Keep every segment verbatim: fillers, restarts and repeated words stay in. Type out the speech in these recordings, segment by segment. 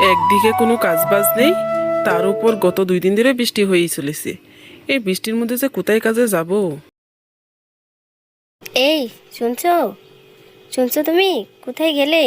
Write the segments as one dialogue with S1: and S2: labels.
S1: একদিকে কোনো কাজ বাজ নেই, তার উপর গত দুই দিন ধরে বৃষ্টি হয়েই চলেছে। এই বৃষ্টির মধ্যে যে কোথায় কাজে যাব?
S2: এই শুনছো শুনছো তুমি কোথায় গেলে?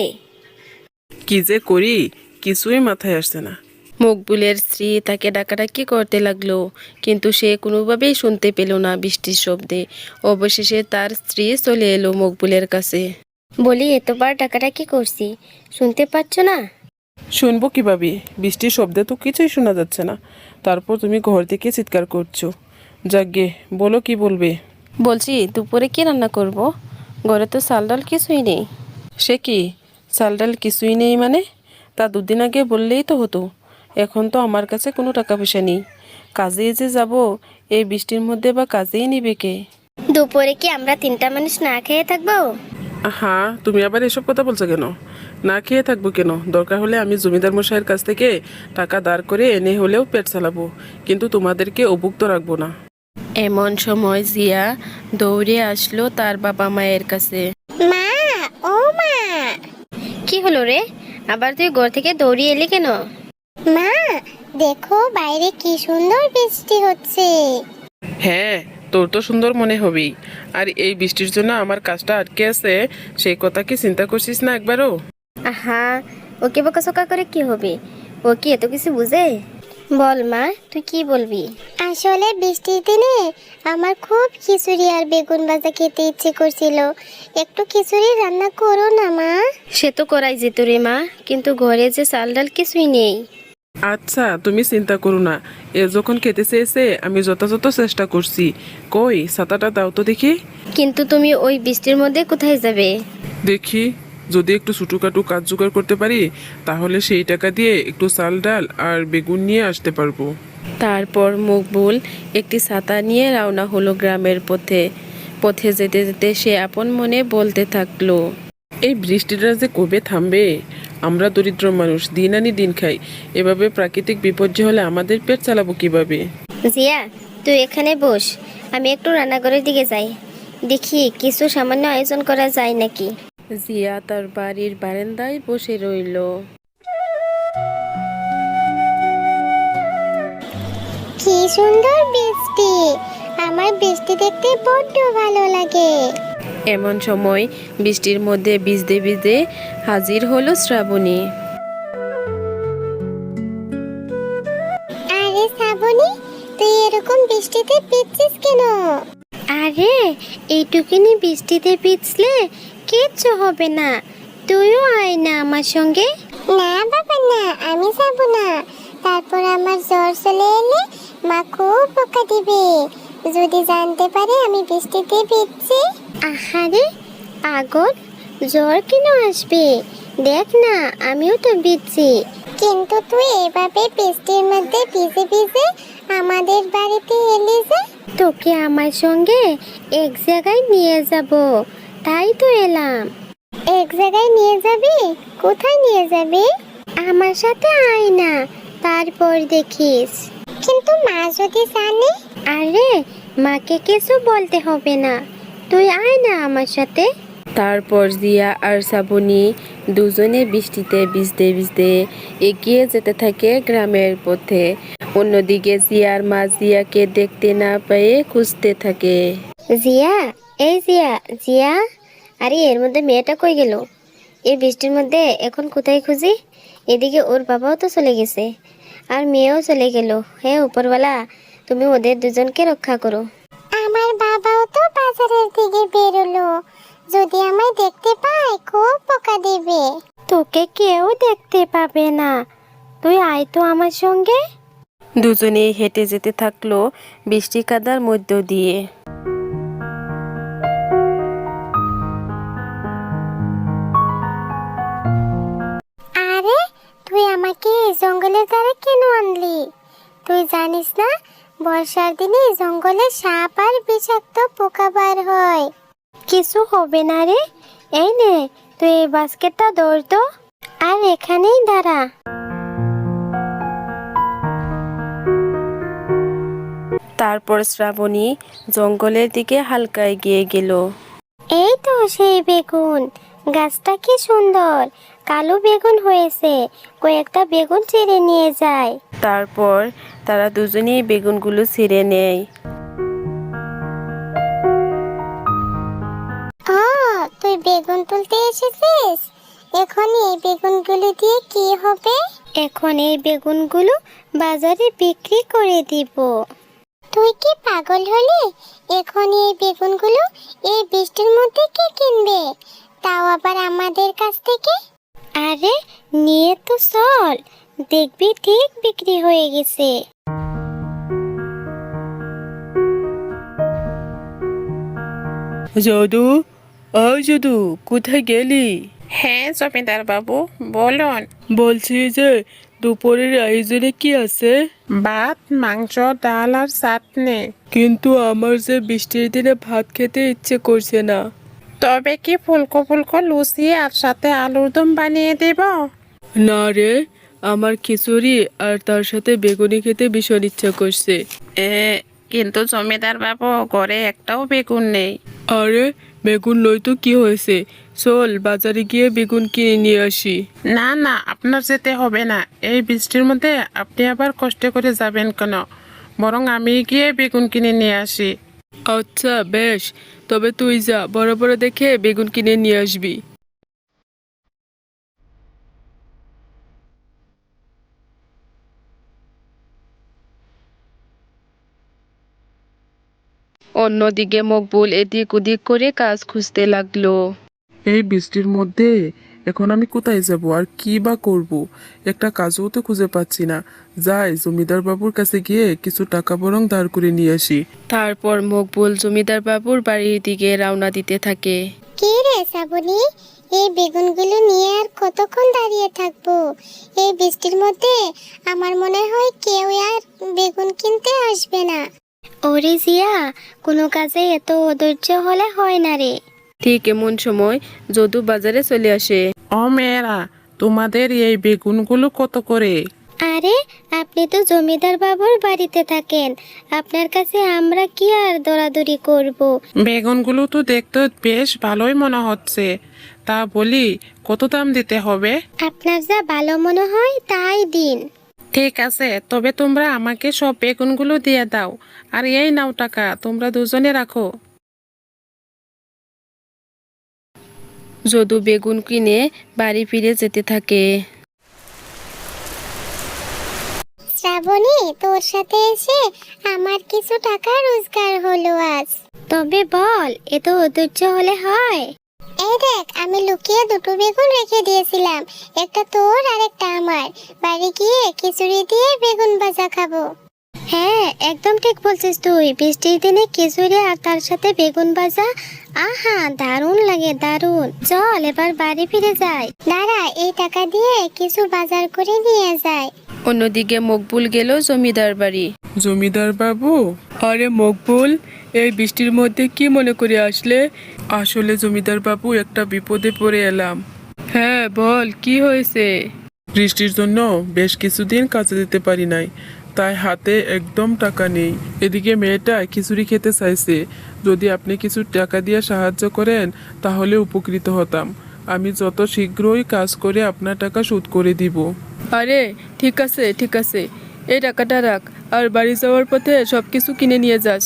S1: কি যে করি কিছুই মাথায় আসছে না।
S2: মকবুলের স্ত্রী তাকে ডাকাডাকি করতে লাগলো, কিন্তু সে কোনোভাবেই শুনতে পেল না বৃষ্টির শব্দে। অবশেষে তার স্ত্রী চলে এলো মকবুলের কাছে। বলি, এতবার ডাকাডাকি করছি, শুনতে পাচ্ছ না?
S1: শুনবো কিভাবে? বৃষ্টির শব্দে তো কিছুই শোনা যাচ্ছে না, তারপর তুমি ঘর থেকে চিৎকার করছো। যাকগে, বলো কি বলবে।
S2: বলছি, দুপুরে কি রান্না করব? ঘরে তো চাল ডাল কিছুই নেই।
S1: সে কি, চাল ডাল কিছুই নেই মানে? তা দুদিন আগে বললেই তো হতো। এখন তো আমার কাছে কোনো টাকা পয়সা নেই। কাজে যে যাব, এই বৃষ্টির মধ্যে বা কাজেই নিবে কে?
S2: দুপুরে কি আমরা তিনটা মানুষ না খেয়ে থাকবো?
S1: হ্যাঁ, তুমি আবার এসব কথা বলছো কেন? না খেয়ে থাকবো কেন? দরকার হলে আমি জমিদার মশাইয়ের কাছ থেকে টাকা ধার করে এনে হলেও পেট চালাবো, কিন্তু তোমাদেরকে অভুক্ত রাখবো না।
S2: এমন সময় জিয়া দৌড়ে আসলো তার বাবা মায়ের কাছে।
S3: মা, ও মা।
S2: কি হলো রে, আবার তুই ঘর থেকে দৌড়িয়ে এলি কেন?
S3: মা, দেখো বাইরে কি সুন্দর বৃষ্টি হচ্ছে।
S1: হ্যাঁ, তোর তো সুন্দর মনে হবেই। আর এই বৃষ্টির জন্য আমার কাজটা আটকে আছে, সেই কথা কি চিন্তা করছিস না একবারও?
S2: আহা, ওকে বকাঝকা করে কি হবে? ও কি এত কিছু বুঝে? বল মা, তুই কি বলবি?
S3: আসলে বৃষ্টির দিনে আমার খুব খিচুড়ি আর বেগুন ভাজা খেতে ইচ্ছে করছিল। একটু খিচুড়ি রান্না করো না মা।
S2: সে তো করাই যেত রে মা, কিন্তু ঘরে যে চাল ডাল কিছুই নেই।
S1: আচ্ছা, তুমি চিন্তা করো না। এ যখন খেতে চেয়েছে আমি যথাযথ চেষ্টা করছি। কই, ছাতাটা দাও তো দেখি।
S2: কিন্তু তুমি ওই বৃষ্টির মধ্যে কোথায় যাবে?
S1: দেখি, যদি একটু ছোটোখাটো কাজ জোগাড় করতে পারি, তাহলে সেই টাকা দিয়ে একটু চাল ডাল আর বেগুন নিয়ে আসতে পারবো।
S2: তারপর মকবুল একটি ছাতা নিয়ে রওনা হলো গ্রামের পথে। পথে যেতে যেতে সে আপন মনে বলতে থাকলো,
S1: এই বৃষ্টিটা যে কবে থামবে? আমরা দরিদ্র মানুষ, দিন আনি দিন খাই। এভাবে প্রাকৃতিক বিপর্যয় হলে আমাদের পেট চালাবো কিভাবে?
S2: জিয়া, তুই এখানে বস, আমি একটু রান্নাঘরের দিকে যাই, দেখি কিছু সামান্য আয়োজন করা যায় নাকি। জিয়া তার বাড়ির বারান্দায় বসে রইল।
S3: কি সুন্দর বৃষ্টি, আমার বৃষ্টি দেখতে বড্ড ভালো লাগে।
S2: এমন সময় বৃষ্টির মধ্যে ভিজতে ভিজতে হাজির হলো শ্রাবণী।
S3: আরে শ্রাবণী, তুই এরকম বৃষ্টিতে ভিজছিস কেন?
S2: আরে, এইটুকুনি বৃষ্টিতে ভিজলে কিচ্ছু হবে না, তুইও আয় না আমার সঙ্গে।
S3: না বাবা না, আমি যাব না। তারপর আমার জ্বর চলে এলে মা খুব বকা দিবে, যদি জানতে পারে আমি বৃষ্টিতে ভিজছি।
S2: আহারে পাগল, জ্বর কেন আসবে? দেখ না, আমিও তো ভিজছি।
S3: কিন্তু তুই এভাবে বৃষ্টির মধ্যে ভিজে ভিজে আমাদের বাড়িতে এলি যে।
S2: তোকে আমার সঙ্গে এক জায়গায় নিয়ে যাব, তাই তো এলাম।
S3: এক জায়গায় নিয়ে যাবি? কোথায় নিয়ে যাবি?
S2: আমার সাথে আয় না, তারপর দেখিস।
S3: কিন্তু মা যদি জানে?
S2: আরে, মাকে কিছু বলতে হবে না, তুই আয় না আমার সাথে। তারপর জিয়া আর শ্রাবণী দুজনে বৃষ্টিতে ভিজতে ভিজতে এগিয়ে যেতে থাকে গ্রামের পথে। অন্যদিকে জিয়ার মা জিয়াকে দেখতে না পেয়ে খুঁজতে থাকে। জিয়া, এই জিয়া, জিয়া, আরে এর মধ্যে মেয়েটা কই গেল? এই বৃষ্টির মধ্যে এখন কোথায় খুঁজি? এদিকে ওর বাবাও তো চলে গেছে, আর মেয়েও চলে গেল। হে উপরওয়ালা, তুমি ওদের দুজনকে রক্ষা করো।
S3: আমার বাবাও তো বাজারের দিকে বেরোলো, যদি আমায় দেখতে পায় খুব বকা দেবে।
S2: তোকে কেউ দেখতে পাবে না, তুই আয় তো আমার সঙ্গে। দুজনে হেঁটে যেতে থাকলো বৃষ্টি কাদার মধ্য দিয়ে।
S3: আরে, তুই আমাকে এই জঙ্গলের ধারে কেন আনলি? তুই জানিস না বর্ষার দিনে জঙ্গলে সাপ আর বিষাক্ত পোকা বার হয়।
S2: কিছু হবে না রে, এই নে তুই এই বাস্কেটটা ধর তো, আর এখানেই দাঁড়া। তারপর শ্রাবণী জঙ্গলের দিকে হালকা এগিয়ে গেল।
S3: এই তো সেই বেগুন গাছটা, কি সুন্দর। কালো বেগুন হয়েছে, কয়েকটা বেগুন ছিঁড়ে নিয়ে যায়।
S2: তারপর তারা দুজনেই বেগুনগুলো ছিঁড়ে নেয়।
S3: ও, তুই বেগুন তুলতে এসেছিস? এখন এই বেগুনগুলো দিয়ে কি হবে? এখন এই বেগুনগুলো বাজারে বিক্রি করে দিব। তুই কি পাগল হলি? এখন এই বেগুনগুলো এই বৃষ্টির মধ্যে কে কিনবে, তাও আবার আমাদের কাছ থেকে? আরে নিয়ে তো চল, দেখবি ঠিক বিক্রি হয়ে গেছে।
S1: যদু, ও যদু, কোথায় গেলি?
S4: হ্যাঁ জমিদার বাবু, বলুন।
S1: বলছি যে দুপুরের আয়োজনে কি আছে?
S4: ভাত, মাংস, ডাল আর চাটনি।
S1: কিন্তু আমার যে বৃষ্টির দিনে ভাত খেতে ইচ্ছে করছে না।
S4: তবে কি ফুলকো ফুলকো লুচি আর সাথে আলুর দম বানিয়ে দেব?
S1: না রে, আমার খিচুড়ি আর তার সাথে বেগুনি খেতে ভীষণ ইচ্ছা করছে।
S4: এ কিন্তু জমিদার বাবু, ঘরে একটাও বেগুন নেই।
S1: আরে বেগুন নই তো কি হয়েছে, চল বাজারে গিয়ে বেগুন কিনে নিয়ে আসি।
S4: না না, আপনার যেতে হবে না। এই বৃষ্টির মধ্যে আপনি আবার কষ্ট করে যাবেন কেন? বরং আমি গিয়ে বেগুন কিনে নিয়ে আসি।
S1: আচ্ছা বেশ, তবে তুই যা, বড় বড় দেখে বেগুন কিনে নিয়ে আসবি। অন্যদিকে মকবুল এদিক ওদিক করে কাজ খুঁজতে লাগলো।
S5: এই বৃষ্টির মধ্যে এখন আমি কোথায় যাব আর কি বা করব? একটা কাজও তো খুঁজে পাচ্ছি না। যাই জমিদার বাবুর কাছে গিয়ে কিছু টাকা বরং ধার করে নিয়ে আসি।
S1: তারপর মকবুল জমিদার বাবুর বাড়ির দিকে রওনা দিতে থাকে।
S3: কি রে শ্রাবণী, এই বেগুনগুলো নিয়ে আর কতক্ষণ দাঁড়িয়ে থাকবো? এই বৃষ্টির মধ্যে আমার মনে হয় কেউ আর বেগুন কিনতে আসবে না। ওরে জিয়া, কোনো কাজে এত অধৈর্য হলে হয় না রে।
S1: ঠিক এমন সময় যদু বাজারে চলে আসে।
S4: ও মেয়েরা, তোমাদের এই বেগুনগুলো কত করে?
S3: আরে আপনি তো জমিদার বাবুর বাড়িতে থাকেন, আপনার কাছে আমরা কি আর দৌড়াদৌড়ি করব?
S4: বেগুনগুলো তো দেখতে বেশ ভালোই মনে হচ্ছে। তা বলি, কত দাম দিতে হবে?
S3: আপনার যা ভালো মনে হয় তাই দিন।
S4: ঠিক আছে, তবে তোমরা আমাকে সব বেগুনগুলো দিয়ে দাও। আর এই নাও টাকা, তোমরা দুজনে রাখো।
S1: যদু বেগুন কিনে বাড়ি ফিরে যেতে থাকে।
S3: শ্রাবণী, তোর সাথে এসে আমার কিছু টাকা রোজগার হলো আজ। তবে বল, এত অধৈর্য হলে হয়? এই দেখ, আমি লুকিয়ে দুটো বেগুন রেখে দিয়েছিলাম, একটা তোর আর একটা আমার। বাড়ি গিয়ে খিচুড়ি দিয়ে বেগুন ভাজা খাবো। হ্যাঁ, একদম ঠিক বলছিস তুই। বৃষ্টির দিনে খিচুড়ি আর তার সাথে বেগুন ভাজা, আহা দারুণ লাগে, দারুণ। চল এবার বাড়ি ফিরে যাই। দাঁড়া, এই টাকা দিয়ে কিছু বাজার করে নিয়ে যাই।
S1: অন্যদিকে মকবুল গেল জমিদার বাড়ি।
S5: জমিদার বাবু,
S1: আরে মকবুল, এই বৃষ্টির মধ্যে কি মনে করে আসলে?
S5: আসলে জমিদার বাবু একটা বিপদে পড়ে এলাম।
S1: হ্যাঁ বল, কি হয়েছে?
S5: বৃষ্টির জন্য বেশ কিছুদিন কাজে যেতে পারি নাই, তাই হাতে একদম টাকা নেই। এদিকে মেয়েটা খিচুড়ি খেতে চাইছে। যদি আপনি কিছু টাকা দিয়ে সাহায্য করেন তাহলে উপকৃত হতাম। আমি যত শীঘ্রই কাজ করে আপনার টাকা শোধ করে দিব।
S1: আরে ঠিক আছে ঠিক আছে, এই টাকাটা রাখ, আর বাড়ি যাওয়ার পথে সব কিছু কিনে নিয়ে যাস।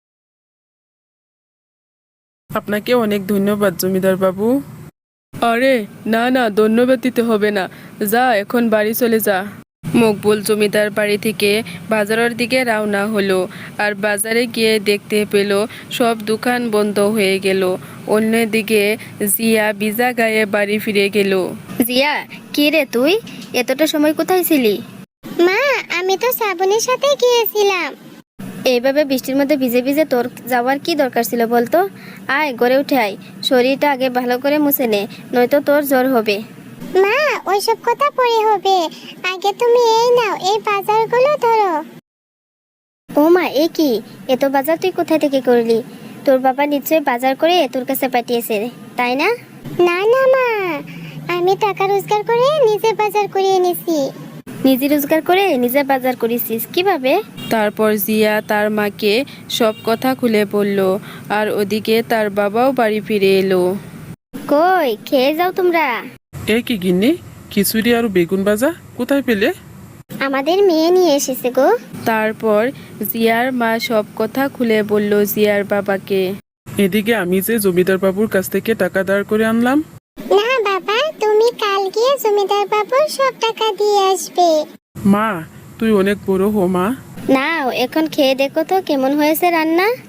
S5: আপনাকে অনেক ধন্যবাদ জমিদার বাবু।
S1: আরে না না, ধন্যবাদ দিতে হবে না, যা এখন বাড়ি চলে যা। মকবুল জমিদার বাড়ি থেকে বাজারের দিকে রওনা হলো। আর বাজারে গিয়ে দেখতে পেল সব দোকান বন্ধ হয়ে গেল। অন্যদিকে জিয়া ভিজা গায়ে বাড়ি ফিরে গেল।
S2: জিয়া, কি রে তুই এতটা সময় কোথায় ছিলি?
S3: মা, আমি তো শ্রাবণীর সাথে গিয়েছিলাম।
S2: এইভাবে বৃষ্টির মধ্যে ভিজে ভিজে তোর যাওয়ার কি দরকার ছিল বলতো? আয় গড়ে উঠে আয়, শরীরটা আগে ভালো করে মুছে নে, নয়তো তোর জ্বর হবে।
S3: মা, ওইসব কথা পরে হবে, আগে তুমি এই নাও, এই বাজারগুলো ধরো।
S2: ও মা, এ কি, এত বাজার তুই কোথায় থেকে করলি? তোর বাবা নিশ্চয়ই বাজার করে তোর কাছে পাঠিয়েছে, তাই না?
S3: না না মা, আমি টাকা রোজগার করে নিজে বাজার করে এনেছি।
S2: নিজে রোজগার করে নিজে বাজার করেছিস, কিভাবে?
S1: তারপর জিয়া তার মাকে সব কথা খুলে বলল। আর ওদিকে তার বাবাও বাড়ি ফিরে এলো।
S2: কই, খেয়ে যাও তোমরা।
S5: এ কি গিন্নি, খিচুড়ি আর বেগুন ভাজা কোথায় পেলে?
S3: আমাদের মেয়ে নিয়ে এসেছে গো।
S1: তারপর জিয়ার মা সব কথা খুলে বলল জিয়ার বাবাকে।
S5: এদিকে আমি যে জমিদার বাবুর কাছ থেকে টাকা দাঁড় করে আনলাম।
S3: না বাবা, তুমি কাল গিয়ে জমিদার বাবুর সব টাকা দিয়ে আসবে।
S5: মা, তুই অনেক বড় হো মা।
S2: নাও এখন খেয়ে দেখো তো কেমন হয়েছে রান্না।